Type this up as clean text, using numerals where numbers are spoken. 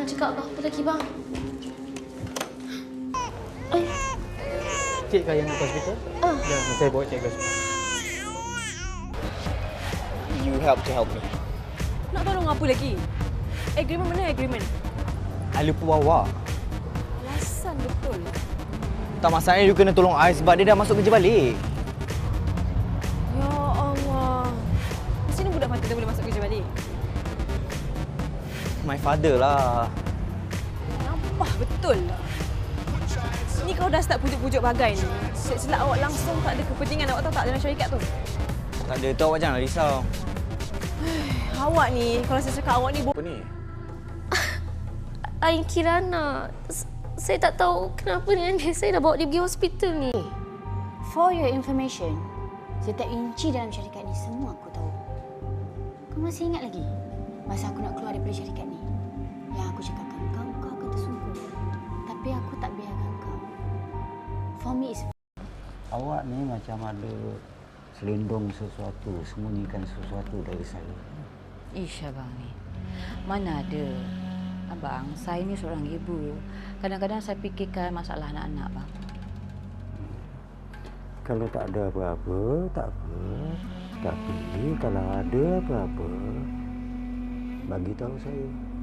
nak cakap apa lagi, bang? Cik kah yang nak ke hospital? Ya, saya bawa cik ke hospital. You help me. Nak tolong apa lagi? Agreement mana agreement? I lupa bawa. Alasan betul. Tak masalahnya you kena tolong I sebab dia dah masuk kerja balik. Ya Allah. Macam mana budak mati dah boleh masuk kerja balik? My father lah. Nampak betul lah. Ni kau dah start pujuk-pujuk bagai ni. Silap awak langsung tak ada kepentingan awak tahu tak dalam syarikat tu? Tak ada, tu awak janganlah risau. Awak ni, kalau saya cakap awak ni Apa ni? Ain Kirana. Saya tak tahu kenapa dengan dia. Saya dah bawa dia pergi hospital ni. For your information, setiap inci dalam syarikat ni semua aku tahu. Kau masih ingat lagi masa aku nak keluar daripada syarikat ni? Yang aku cakapkan kau akan tersungkur. Tapi aku tak biarkan kau. For me is... Awak ni macam ada selindung sesuatu, sembunyikan sesuatu dari saya. Ish, abang ni. Mana ada. Abang, saya ni seorang ibu. Kadang-kadang saya fikirkan masalah anak-anak, bang. Kalau tak ada apa-apa, tak apa. Tapi kalau ada apa-apa, bagi tahu saya.